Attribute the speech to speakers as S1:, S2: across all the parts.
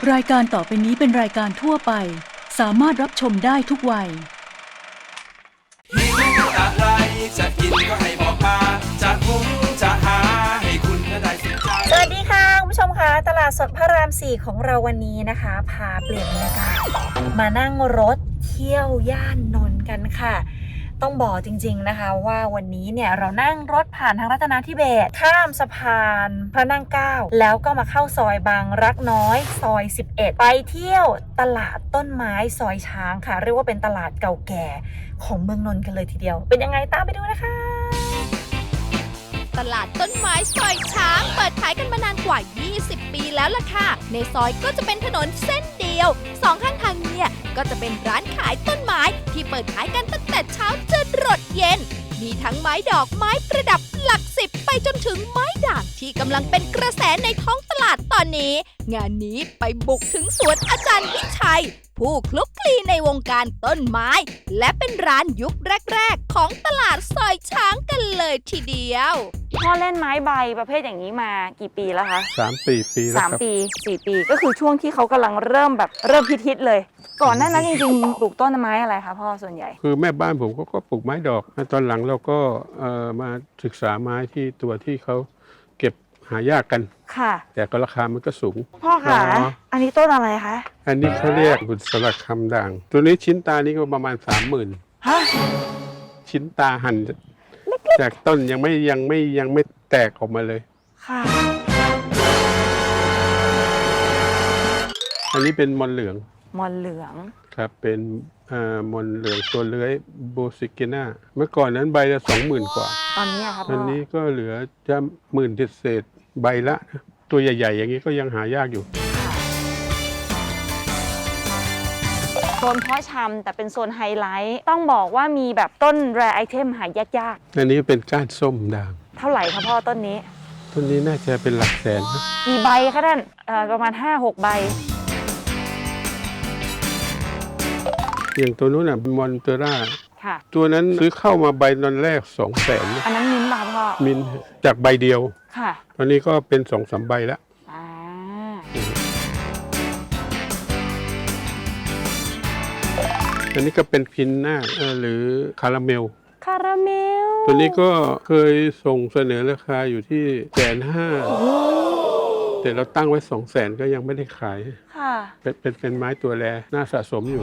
S1: รายการต่อไปนี้เป็นรายการทั่วไปสามารถรับชมได้ทุกวัย
S2: หิวอะไรจะกินก็ให้บอกมาจะหุงจะหาให้คุณได้สนใจ
S3: สวัสดีค่ะคุณผู้ชมคะตลาดสดพระราม4ของเราวันนี้นะคะพาเปลี่ยนบรรยากาศมานั่งรถเที่ยวย่านนนท์กันค่ะต้องบอกจริงๆนะคะว่าวันนี้เนี่ยเรานั่งรถผ่านทางรัตนาธิเบศรข้ามสะพานพระนั่งเกล้าแล้วก็มาเข้าซอยบางรักน้อยซอย11ไปเที่ยวตลาดต้นไม้ซอยช้างค่ะเรียกว่าเป็นตลาดเก่าแก่ของเมืองนนท์กันเลยทีเดียวเป็นยังไงตามไปดูนะคะ
S4: ตลาดต้นไม้ซอยช้างเปิดขายกันมานานกว่า 20 ปีแล้วล่ะค่ะในซอยก็จะเป็นถนนเส้นเดียวสองข้างทางเนี่ยก็จะเป็นร้านขายต้นไม้ที่เปิดขายกันตั้งแต่เช้าจนรดเย็นมีทั้งไม้ดอกไม้ประดับหลัก10ไปจนถึงไม้ด่างที่กำลังเป็นกระแสในท้องตลาดตอนนี้งานนี้ไปบุกถึงสวนอาจารย์วิชัยผู้คลุกคลีในวงการต้นไม้และเป็นร้านยุคแรกๆของตลาดซอยช้างกันเลยทีเดียว
S3: พ่อเล่นไม้ใบประเภทอย่างนี้มากี่ปีแล้วคะ
S5: 3-4 ปีแล้วครับ
S3: 3 ปี 4 ปีก็คือช่วงที่เขากำลังเริ่มฮิตๆเลยก่อนหน้านั้นจริงๆปลูกต้นไม้อะไรคะพ่อส่วนใหญ่
S5: คือแม่บ้านผมก็ปลูกไม้ดอกตอนหลังเราก็มาศึกษาไม้ที่ตัวที่เขาเก็บหายากกัน
S3: ค่ะ
S5: แต่ก็ราคามันก็สูง
S3: พ่อคะอันนี้ต้นอะไรคะ
S5: อันนี้เขาเรียกบุษราคำด่างตัวนี้ชิ้นตานี่ก็ประมาณ 30,000
S3: ฮะ
S5: ชิ้นตาหั่นจากต้นยังไม่แตกออกมาเลย
S3: ค่ะ
S5: อันนี้เป็นมอนเหลืองครับเป็นมอนเหลืองตัวเลื้อยโบซิกิน่าเมื่อก่อนนั้นใบละ 20,000 กว่า
S3: ตอนนี้ครับ
S5: ตอนนี้ก็เหลือจะ10,000 เศษใบละตัวใหญ่ๆอย่างนี้ก็ยังหายากอยู่
S3: โซนเพาะชำแต่เป็นโซนไฮไลท์ต้องบอกว่ามีแบบต้นแรร์ไอเทมหายาก
S5: ๆอันนี้เป็นก้านส้มด่าง
S3: เท่าไหร่คะพ่อต้นนี้
S5: น่าจะเป็นหลักแสนนะ
S3: กี่ใบคะท่านประมาณ 5-6 ใบ
S5: อย่างตัวนู้นน่ะมอนเตอร่าตัวนั้นซื้อเข้ามาใบตอนแรก 200,000
S3: อันนั้นมิ้นท์ป่ะพ่อ
S5: มิ้นท์จากใบเดียว
S3: ค่ะ
S5: ตอนนี้ก็เป็น 2-3 ใบแล้วอันนี้ก็เป็นพินหน้าหรือคาราเมลตัวนี้ก็เคยส่งเสนอราคาอยู่ที่150,000แต่เราตั้งไว้ 200,000 ก็ยังไม่ได้ขาย
S3: ค่ะ
S5: เป็นไม้ตัวแรน่าสะสมอยู่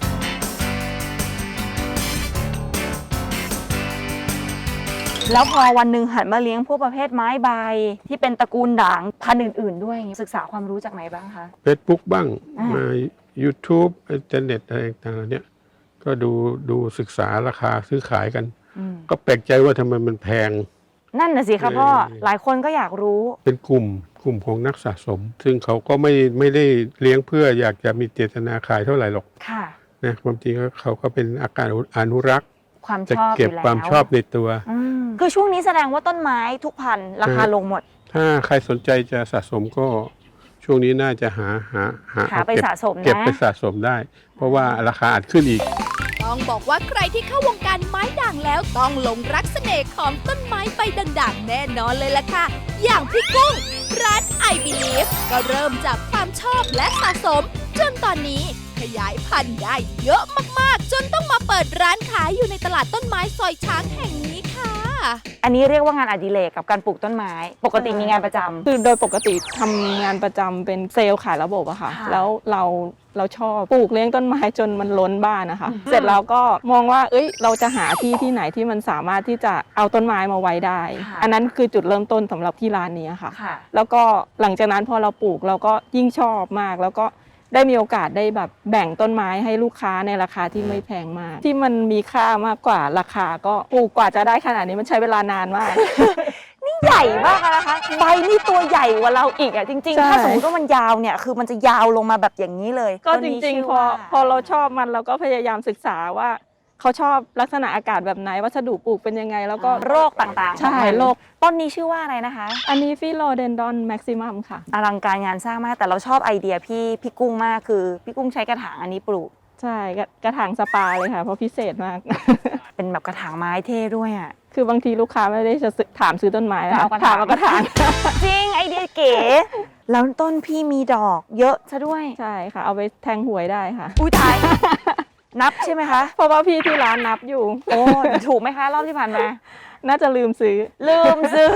S3: แล้วพอวันหนึ่งหันมาเลี้ยงพวกประเภทไม้ใบที่เป็นตระกูลด่างพันธุ์อื่นๆด้วยศึกษาความรู้จากไหนบ้างคะ
S5: Facebook บ้างมา YouTube อินเทอร์เน็ตอะไรต่างๆเนี่ยก็ดูศึกษาราคาซื้อขายกันก็แปลกใจว่าทำไมมันแพง
S3: นั่นน่ะสิครับพ่อหลายคนก็อยากรู้
S5: เป็นกลุ่มของนักสะสมซึ่งเขาก็ไม่ได้เลี้ยงเพื่ออยากจะมีเจตนาขายเท่าไหร่หรอก
S3: ค่ะ
S5: นะความจริงเขาก็เป็นอาการอนุรักษ์
S3: ความช
S5: อบจะเก็บความชอบในตัว
S3: คือช่วงนี้แสดงว่าต้นไม้ทุกพันธุ์ราคาลงหมด
S5: ถ้าใครสนใจจะสะสมก็ช่วงนี้น่าจะหา
S3: ไปสะสมนะ
S5: เก็บไปสะสมได้เพราะว่าราคาอาจขึ้นอีก
S4: ต้องบอกว่าใครที่เข้าวงการไม้ด่างแล้วต้องหลงรักเสน่ห์ของต้นไม้ใบด่างๆแน่นอนเลยล่ะค่ะอย่างพี่กุ้งร้าน I Believe ก็เริ่มจากความชอบและสะสมจนตอนนี้ขยายพันธุ์ได้เยอะมากๆจนต้องมาเปิดร้านขายอยู่ในตลาดต้นไม้ซอยช้างแห่งนี้ค่ะ
S3: อันนี้เรียกว่างานอดิเรกกับการปลูกต้นไม้ปกติมีงานประจำ
S6: คือโดยปกติทำงานประจำเป็นเซลล์ขายระบบอะค่ะแล้วเราชอบปลูกเลี้ยงต้นไม้จนมันล้นบ้านนะคะเสร็จแล้วก็มองว่าเราจะหาที่ไหนที่มันสามารถที่จะเอาต้นไม้มาไว้ได้อันนั้นคือจุดเริ่มต้นสำหรับที่ร้านนี้ค่ะแล้วก็หลังจากนั้นพอเราปลูกเราก็ยิ่งชอบมากแล้วก็ได้มีโอกาสได้แบบแบ่งต้นไม้ให้ลูกค้าในราคาที่ไม่แพงมากที่มันมีค่ามากกว่าราคาก็ปลูกกว่าจะได้ขนาดนี้มันใช้เวลานานมาก
S3: นี่ใหญ่มากนะคะใบนี่ตัวใหญ่กว่าเราอีกอ่ะจริงๆถ้าสมมติว่ามันยาวเนี่ยคือมันจะยาวลงมาแบบอย่างนี้เลย
S6: ก็จริงๆพอเราชอบมันเราก็พยายามศึกษาว่าเขาชอบลักษณะอากาศแบบไหนวัสดุปลูกเป็นยังไงแล้วก็
S3: โรคต่างๆ
S6: ใช่โรค
S3: ต้นนี้ชื่อว่าอะไรนะคะ
S6: อันนี้ฟิโลเดนดอนแม็กซิมัมค่ะ
S3: อลังการงานสร้างมากแต่เราชอบไอเดียพี่กุ้งมากคือพี่กุ้งใช้กระถางอันนี้ปลูก
S6: ใช่กระถางสปาเลยค่ะเพราะพิเศษมาก
S3: เป็นแบบกระถางไม้เท่ด้วยอ่ะ
S6: คือบางทีลูกค้าไม่ได้จะถามซื้อต้นไม้แล้วถามเอากระถาง
S3: จริงไอเดียเก๋แล้วต้นพี่มีดอกเยอะซะด้วย
S6: ใช่ค่ะ เอาไปแทงหวยได้ค่ะ
S3: อุ้ยตาย นับใช่ไหมคะ
S6: เพราะว่าพี่ที่ร้านนับอยู่
S3: โอ้ถูกไหมคะ รอบที่ผ่านมา
S6: น่าจะลืมซื้อ
S3: ลืมซื้อ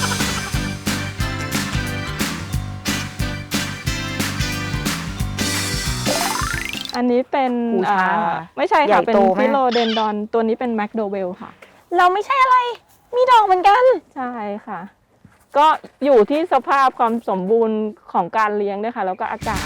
S6: อันนี้เป็น
S3: หูช้างเหรอ
S6: ไม่ใช่
S3: ใหญ่
S6: ค่ะ เป็น
S3: โตไหม
S6: ฟิโลเดนดอนตัวนี้เป็นแมคโดเวลค่ะ
S3: เราไม่ใช่อะไร มีดอกเหมือนกัน
S6: ใช่ค่ะ ก็อยู่ที่สภาพความสมบูรณ์ของการเลี้ยงด้วยค่ะ แล้วก็อากาศ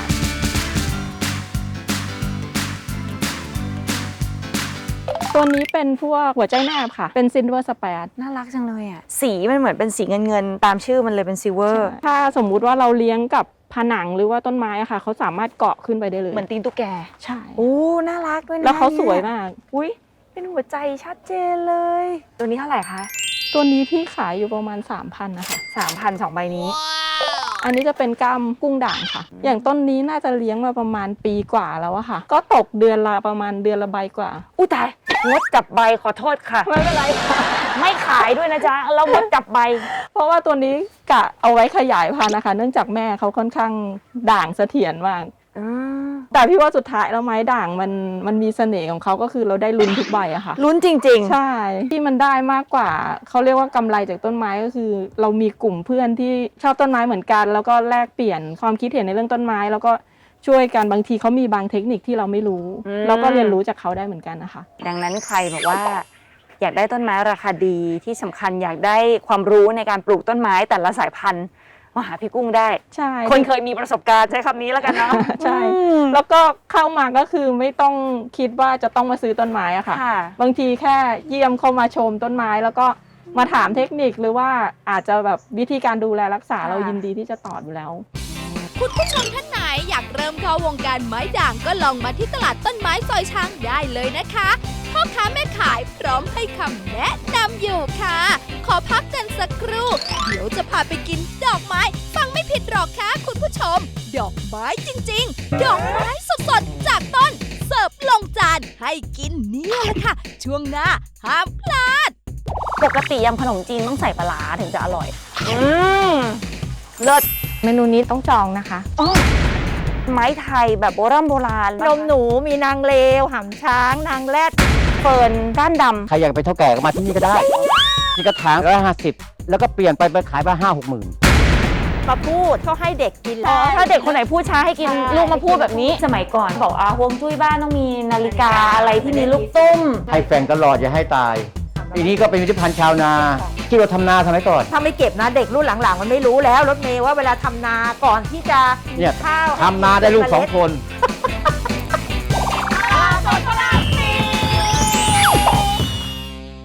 S6: ตัวนี้เป็นพวกหัวใจแนบค่ะ เป็นซินเวอร์สเปด
S3: น่ารักจังเลยอ่ะ สีมันเหมือนเป็นสีเงินตามชื่อมันเลยเป็นซิลเวอร์
S6: ถ้าสมมุติว่าเราเลี้ยงกับผนังหรือว่าต้นไม้อะค่ะ เขาสามารถเกาะขึ้นไปได้เลย
S3: เหมือนตีนตุ๊กแก
S6: ใช่
S3: โอ้ น่ารักด้วยนะ
S6: แล้วเขาสวย
S3: นี่
S6: มาก
S3: อุ้ยเป็นหัวใจชัดเจนเลย ตัวนี้เท่าไหร่คะ
S6: ตัวนี้พี่ขายอยู่ประมาณ 3,000นะคะ
S3: 3,000 2 ใบนี้
S6: อันนี้จะเป็นกล้ามกุ้งด่างค่ะ อย่างต้นนี้น่าจะเลี้ยงมาประมาณปีกว่าแล้วอะค่ะ ก็ตกเดือนละประมาณเดือนละใบกว่า
S3: อุ้ยตายงดจับใบขอโทษค่ะ
S6: ไม่เป็นไรค่ะ
S3: ไม่ขายด้วยนะจ๊ะ เรางดจับใบ
S6: เพราะว่าตัวนี้กะเอาไว้ขยายพันธุ์นะคะ เนื่องจากแม่เขาค่อนข้างด่างเสถียรมาก แต่พี่ว่าสุดท้ายแล้วไม้ด่างมันมีเสน่ห์ของเขาก็คือเราได้ลุ้นทุกใบอะค่ะ
S3: ลุ้นจริง
S6: ใช่ที่มันได้มากกว่าเขาเรียกว่ากำไรจากต้นไม้ก็คือ เรามีกลุ่มเพื่อนที่ชอบต้นไม้เหมือนกัน แล้วก็แลกเปลี่ยนความคิดเห็นในเรื่องต้นไม้ แล้วก็ช่วยกันบางทีเขามีบางเทคนิคที่เราไม่รู้เราก็เรียนรู้จากเขาได้เหมือนกันนะคะ
S3: ดังนั้นใครบอกว่า อยากได้ต้นไม้ราคาดีที่สำคัญอยากได้ความรู้ในการปลูกต้นไม้แต่ละสายพันธุ์มาหาพี่กุ้งได้
S6: ใช่
S3: คนเคยมีประสบการณ์ใช้คำนี้แล้วกันเนาะ
S6: ใช่ แล้วก็เข้ามาก็คือไม่ต้องคิดว่าจะต้องมาซื้อต้นไม้อะค่ะ
S3: ค่ะ
S6: บางทีแค่เยี่ยมเข้ามาชมต้นไม้ แล้วก็มาถามเทคนิคหรือว่าอาจจะแบบวิธีการดูแลรักษาเรายินดีที่จะตอบอยู่แล้ว
S4: คุณผู้ชมท่านไหนอยากเริ่มเข้าวงการไม้ด่างก็ลองมาที่ตลาดต้นไม้ซอยช้างได้เลยนะคะพ่อค้าแม่ขายพร้อมให้คำแนะนำอยู่ค่ะ ขอพักกันสักครู่ เดี๋ยวจะพาไปกินดอกไม้ ฟังไม่ผิดหรอกค่ะคุณผู้ชม ดอกไม้จริงๆ ดอกไม้สดๆ จากต้น เสิร์ฟลงจานให้กินเนี่ยแหละค่ะ ช่วงหน้าห้ามพลาด
S3: ปกติยำขนมจีนต้องใส่ปลาร้าถึงจะอร่อย เลิศ
S7: เมนูนี้ต้องจองนะคะ
S3: ไม้ไทยแบบโบราณ
S7: นมหนูมีนางเลวหำช้าง นางแรด
S3: เฟิร์นก้านดำ
S8: ใครอยากไปนเท่าแก่ก็มาที่นี่ก็ได้ที่กระถาง150แล้วก็เปลี่ยนไปขายไป5-6 หมื่น
S7: มาพูดเขาให้เด็กกิน
S3: อ๋อ
S7: แล้ว
S3: ถ้าเด็กคนไหนพูดช้าให้กิน
S7: ใช่
S3: ลูกมาพูดแบบนี้ สมัยก่อนบอกฮวงจุ้ยบ้านต้องมีนาฬิกาอะไรที่มีลูกตุ้ม
S8: ให้แฟนตลอดอย่าให้ตายทีนี้ก็เป็นวิธีพันธ์ชาวนาที่เราทำนาสมัยก่อน
S7: ถ้าไม่เก็บนะเด็กรุ่นหลังๆ มันไม่รู้แล้วรถเมย์ว่าเวลาทำนาก่อนที่จะ
S8: เนี่ย
S7: ข้าว
S8: ทำนาได้ลูก2 คน